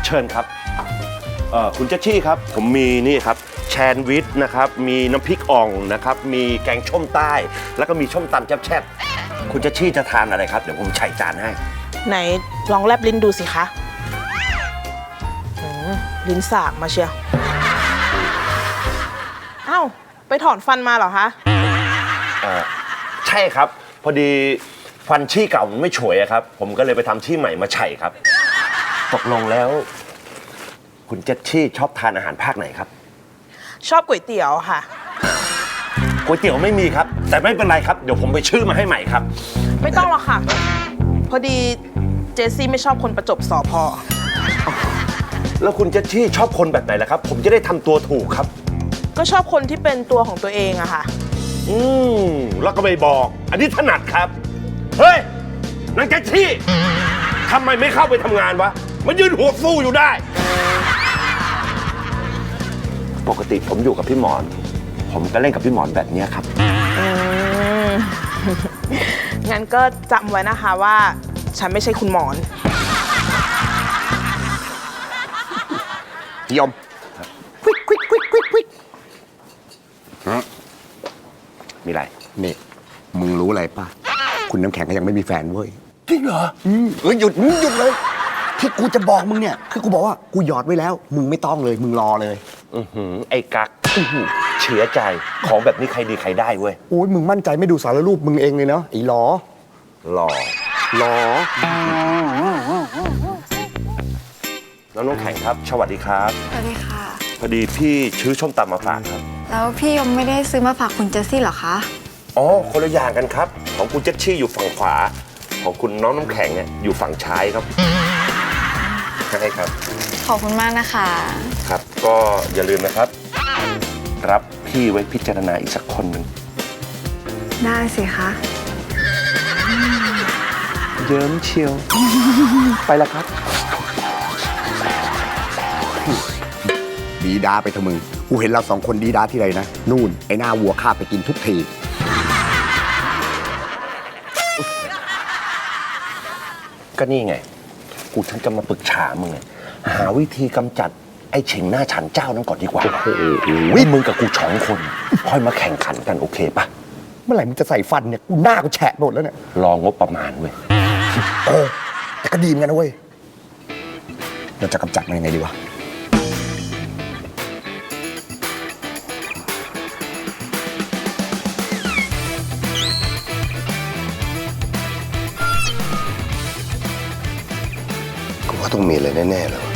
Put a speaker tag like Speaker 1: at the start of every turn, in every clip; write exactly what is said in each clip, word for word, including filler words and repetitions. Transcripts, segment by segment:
Speaker 1: เชิญครับเอ่อคุณเจชชี่ครับผมมีนี่ครับแชนด์วิชนะครับมีน้ำพริกอ่องนะครับมีแกงส้มใต้แล้วก็มีส้มตำแซ่บๆคุณเจชชี่จะทานอะไรครับเดี๋ยวผมใส่จานให้
Speaker 2: ไหนลองแลบลิ้นดูสิคะลิ้นสากมาเชียวเอ้าไปถอนฟันมาเหรอคะ
Speaker 1: อ่าใช่ครับพอดีฟันชี่เก่ามันไม่ฉวยครับผมก็เลยไปทำชี่ใหม่มาใช่ครับตกลงแล้วคุณเจชชี่ชอบทานอาหารภาคไหนครับ
Speaker 2: ชอบก๋วยเตี๋ยวค่ะ
Speaker 1: ก๋วยเตี๋ยวไม่มีครับแต่ไม่เป็นไรครับเดี๋ยวผมไปชื่อมาให้ใหม่ครับ
Speaker 2: ไม่ต้องหรอกค่ะพอดีเจสซี่ไม่ชอบคนประจบสอพอ
Speaker 1: แล้วคุณเจชชี่ชอบคนแบบไหนล่ะครับผมจะได้ทำตัวถูกครับ
Speaker 2: ก็ชอบคนที่เป็นตัวของตัวเองอะค่ะ
Speaker 1: อืมแล้วก็ไม่บอกอันนี้ถนัดครับเฮ้ยนางเจชชี่ทำไมไม่เข้าไปทำงานวะมันยืนหัวฟูอยู่ได้ปกติผมอยู่กับพี่หมอนผมก็เล่นกับพี่หมอนแบบนี้ครับ
Speaker 2: งั้นก็จำไว้นะคะว่าฉันไม่ใช่คุณหมอน
Speaker 1: ยมควิกควิกควิกควิกควิกมีอะไร
Speaker 3: นี่มึงรู้อะไรป่ะคุณน้ำแข็งก็ยังไม่มีแฟนเว้ย
Speaker 1: จริงเหรอ
Speaker 3: อืมเออหยุดหยุดเลยที่กูจะบอกมึงเนี่ยคือกูบอกว่ากูหยอดไว้แล้วมึงไม่ต้องเลยมึงรอเลย
Speaker 1: อือหือไอ้กักเฉื่อใจของแบบนี้ใครดีใครได้เว้ย
Speaker 3: โอ้ยมึงมั่นใจไม่ดูสารรูปมึงเองเลยเนาะไอ้หลอ
Speaker 1: หล่อ
Speaker 3: หลอ
Speaker 1: แล้วน้องแข็งครับสวัสดีครับ
Speaker 4: สวัสดีค่ะ
Speaker 1: พอดีพี่ชื้อส้มตำมาฝากครับ
Speaker 4: แล้วพี่ยมไม่ได้ซื้อมาฝากคุณเจสซี่หรอคะ
Speaker 1: อ๋อคนละอย่างกันครับของคุณเจชชี่อยู่ฝั่งขวาของคุณน้องน้ำแข็งเนี่ยอยู่ฝั่งซ้ายครับใช่ครับ
Speaker 4: ขอบคุณมากนะคะ
Speaker 1: ครับก็อย่าลืมนะครับรับพี่ไว้พิจารณาอีกสักคนหนึ่ง
Speaker 4: ได้สิคะ
Speaker 1: เยิ้มเชียวไปแล้วครับ
Speaker 3: ดีดาไปเถอะมึงกูเห็นเราสองคนดีดาที่ไรนะนู่นไอ้หน้าวัวข้าไปกินทุกที
Speaker 1: ก็นี่ไงกูฉันจะมาปรึกษามึงไงหาวิธีกำจัดไอ้เฉ่งหน้าฉันเจ้านั้นก่อนดีกว่าโอ้โหมึงกับกูสองคนค่อยมาแข่งขันกันโอเคปะ
Speaker 3: เมื่อไหร่มึงจะใส่ฟันเนี่ยกูหน้ากูแฉะหมดแล้วเนี่ย
Speaker 1: รองงบประมาณเว้ย
Speaker 3: เออแต่ก็ดีเหมือนกันนะเว้ยเราจะกำจัดมันยังไงดีวะ
Speaker 1: กูว่าต้องมีอะไรแน่ๆเลย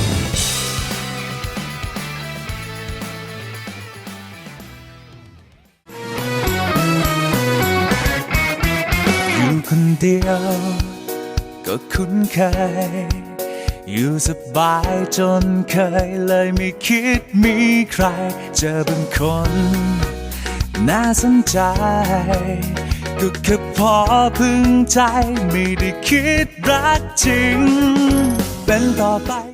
Speaker 5: อยู่คนเดียวก็คุ้นเคยอยู่สบายจนเคยเลยไม่คิดมีใครเจอเป็นคนน่าสนใจก็แค่พอพึงใจไม่ได้คิดรักจริงเป็นต่อไป